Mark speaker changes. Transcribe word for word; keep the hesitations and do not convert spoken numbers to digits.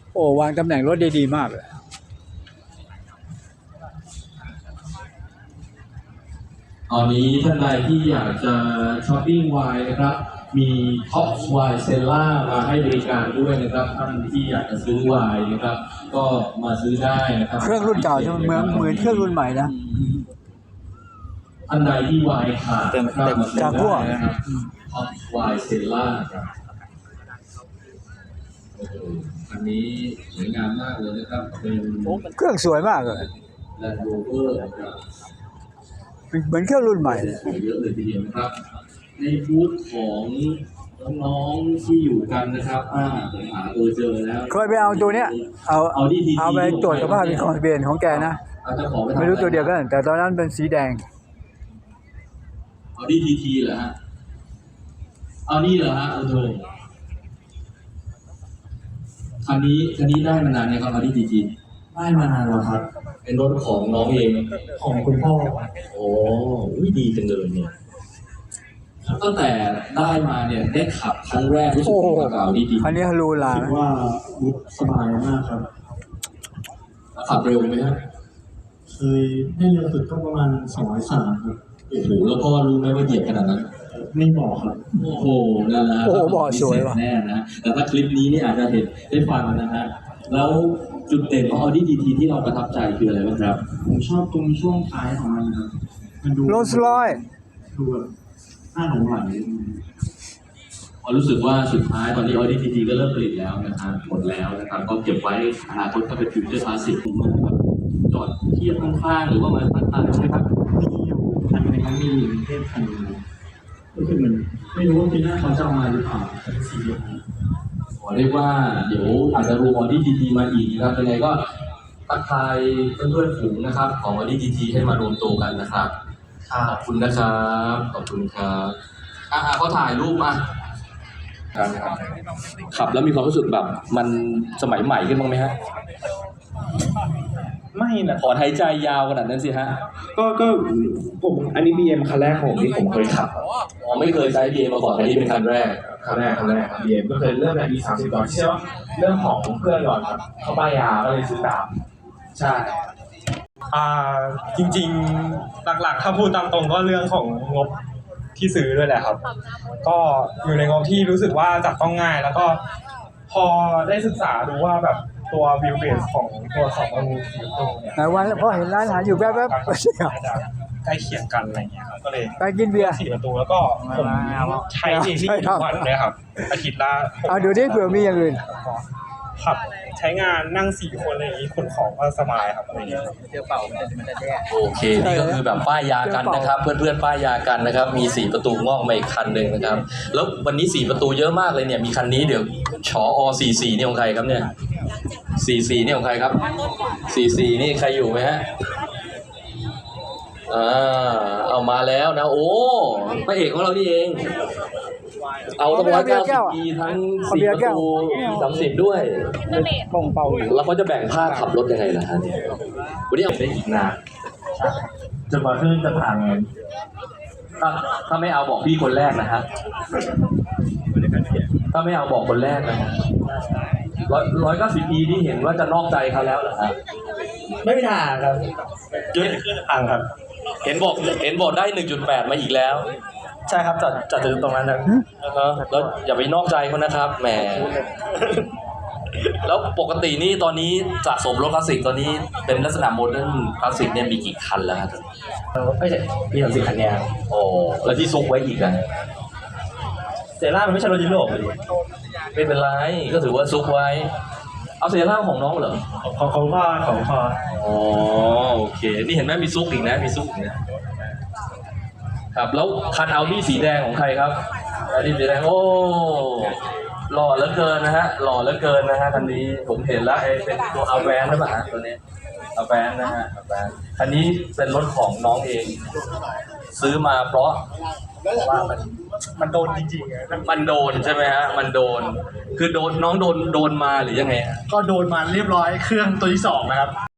Speaker 1: โอ้วางตำแหน่งรถได้ดีมากเลย
Speaker 2: ตอนนี้ท่านใดที่อยากจะช้อปปิ้งไวน์นะครับมีท็อปไวน์เซลล่ามาให้บริการด้วยนะครับท่านที่อยากจะซื้อไวน์นะครับก็มาซื้อได้นะครับ
Speaker 1: เครื่องรุ่นเก่าจะเหมือนเหมือนเครื่องรุ่นใหม่นะ
Speaker 2: ท่านใดที่ไวน์ขาดนะครับมาซื้อได้นะครับท็อปไวน์เซลล่าครับอันนี้สวยงามมากเลยนะครับเป็น
Speaker 1: เครื่องสวยมากเลย
Speaker 2: แลนด์โรเวอร์นะครับ
Speaker 1: เหมือนเครื่องรุ่นใหม่เลย
Speaker 2: เยอะเลยทีเดียวนะครับในบูธของน้องๆที่อยู่กันนะครับอ่าผมหาตัวเจอแล้ว
Speaker 1: เคยไปเอาตัวเนี้ยเอาเอาเอาไปตรวจสภาพเป็นของทะเบียนของแกนะไม่รู้ตัวเดียวกันแต่ตอนนั้นเป็นสีแดง
Speaker 2: เอาดีทีทีเหรอฮะเอานี่เหรอฮะเอาเลยคันนี้คันนี้ได้มานานไหมครับเอาดีทีที
Speaker 3: ได้มานานแล้วครับ
Speaker 2: เป็นรถของน้องเอง
Speaker 3: ของคุณพ่อ
Speaker 2: โอ้ยดีจังเลยเนี่ยตั้งแต่ได้มาเนี่ยได้ขับครั้งแรกรู้สึกว่าเอาดีดี
Speaker 1: คันนี้ฮารูลา
Speaker 3: คิดว่าสบายมากครับ
Speaker 2: ขับเร็วไหมครับ
Speaker 3: เคยได้เร็วสุดก็ประมาณสองร้อยสามครับ
Speaker 2: โอ้โหแล้วพ่อรู้ไหมว่าเหยียบขนาดนั้น
Speaker 3: ไม่บอกครับ
Speaker 2: โอ้โหนั่นแหละ
Speaker 1: โอ้โหบอกสวยว่ะ
Speaker 2: แน่นะแต่ถ้าคลิปนี้นี่อาจจะเห็นได้ฟังนะฮะแล้วจุดเด่นของ Audi ที ที ที่เราประทับใจคืออะไรบ้างครับ
Speaker 3: ผมชอบตรงช่วงท้ายของมันครับ
Speaker 1: มันดูโรลส์รอยซ์
Speaker 3: ดูแบบน่าหลงไหล
Speaker 2: พอรู้สึกว่าสุดท้ายตอนนี้ Audi ที ที ก็เริ่มผลิตแล้วนะครับหมดแล้วนะครับก็เก็บไว้อนาคตถ้าเป็นฟิวเจอร์คลาสสิกนะครับจอดเทียบข้างๆหรือว่ามาตัดๆใช่ไหมครับ
Speaker 3: มีอยู่คันนึงมีอยู่ในเทพคันนึงก็คือมันไม่รู้ว่าปีหน้าเขาจะเอามาหรือเปล่าเป็นสีเดียวกัน
Speaker 2: ขอเรียกว่าเดี๋ยวอาจจะรวม Audi ที ที มาอีกนะครับยังไงก็ทักทายเพื่อนๆฝูงนะครับของ Audi ที ที ให้มารวมตัวกันนะครับขอบคุณนะครับขอบคุณครับอ่ะเขาถ่ายรูปมาขับแล้วมีความรู้สึกแบบมันสมัยใหม่ขึ้นบ้างไหมฮะ
Speaker 3: ไม่นะ
Speaker 2: ขอหายใจยาวขนาดนั้นสิฮะ
Speaker 3: ก็ก็ผมอันนี้ บี เอ็ม คันแรกของที่ผมเคยขับ
Speaker 2: อ๋อไม่เคยใช้ บี เอ็ม มาก่อนอันนี้เป็นคันแรก
Speaker 3: คันแรกคันแรก บี เอ็ม ก็เคยเริ่มในปีสามสิบก่อนเชื่อว่าเรื่องของเพื่อนก่อนครับเขาป้ายยาก็เลยซื้อตาม
Speaker 4: ใช่อ่าจริงๆหลักๆถ้าพูดตามตรงก็เรื่องของงบที่ซื้อด้วยแหละครับก็อยู่ในงบที่รู้สึกว่าจับต้องง่ายแล้วก็พอได้ศึกษาดูว่าแบบตัววิวเบสของตัวสองอนูสีตรงเนี่ย
Speaker 1: วันพอเห็นร้านอาหารอยู่แป๊บๆก็
Speaker 4: จะใกล้เคียงกันอะไรเงี้ยครับก็เลย
Speaker 1: ไปกินเบียร์
Speaker 4: สี่ประตูแล้วก็ผมใช้เองที่ทุกวันเลยครับอาทิตย์ละ
Speaker 1: เอาดูดิเผื่อมีอย่างอื่น
Speaker 4: ขับใช้งานนั่งสี่คนอะไรอย่างนี้ขนของก็สบายครับอะไรเงี้ย
Speaker 1: เจอเป่ามันจะมันจะแย่
Speaker 2: โอเคนี่ก็คือแบบป้ายยากันนะครับเพื่อนๆป้ายยากันนะครับมีสี่ประตูงอกมาอีกคันหนึ่งนะครับแล้ววันนี้สี่ประตูเยอะมากเลยเนี่ยมีคันนี้เดี๋ยวชออสี่สี่นี่ของใครครับเนี่ยสี่สี่นี่ของใครครับสี่สี่นี่ใครอยู่ไหมฮะอ่าเอามาแล้วนะโอ้พระเอกของเรานี่เองเอาตั้งร้อยเก้าสิบปีทั้งสี่ประตูสามสิบด้วย
Speaker 1: ป่งเป่า
Speaker 2: แล้วเขาจะแบ่งภาคขับรถยังไงล่ะฮะวันนี้เอาไปอีกนาน
Speaker 3: จะมาขึ้นจะผ่านไง
Speaker 2: ถ้าถ้าไม่เอาบอกพี่คนแรกนะฮะถ้าไม่เอาบอกคนแรกนะฮะร้อยร้อยเก้าสิบปีนี่เห็นว่าจะนอกใจเขาแล้วเหรอฮะ
Speaker 3: ไม่ผ่านครับ
Speaker 2: จุดอ่างครับเห็นบอกเห็นบอกได้หนึ่งจุดแปดมาอีกแล้ว
Speaker 4: ใช่ครับจัดจัดถึงตรงนั้นนะ
Speaker 2: แล้วอย่าไปนอกใจเขานะครับแหมแล้วปกตินี่ตอนนี้สะสมรถคลาสสิกตอนนี้เป็นลักษณะโมเดิร์นคลาสสิกเนี่ยมีกี่คันแล้วครับ
Speaker 4: ไม่ใช่มีสามสิบคันเนี่ย
Speaker 2: โอ้แล้วที่ซุกไว้อีกอ่ะ
Speaker 4: เซร่ามันไม่ใช่รถยุโรปเลย
Speaker 2: ไม่เป็นไรก็ถือว่าซุกไว้เอาเซร่าของน้องเหรอ
Speaker 4: ของของพ่อของพ่อ
Speaker 2: อ๋อโอเคนี่เห็นไหมมีซุกอีกนะมีซุกอีกนะครับแล้วคันเอาดี้สีแดงของใครครับเอาดี้สีแดงโอ้หล่อเหลือเกินนะฮะหล่อเหลือเกินนะฮะคันนี้ผมเห็นแล้วไอ้เป็นตัวอาแวนใช่ไหมฮะตัวนี้อาแวนนะฮะอาแวนคันนี้เป็นรถของน้องเองซื้อมาเพราะว่ามัน
Speaker 4: มันโดนจริงๆ
Speaker 2: มันโดนใช่ไหมฮะมันโดนคือโดนน้องโดนโดนมาหรือยังไง
Speaker 4: ก็โดนมาเรียบร้อยเครื่องตัวที่สองนะครับ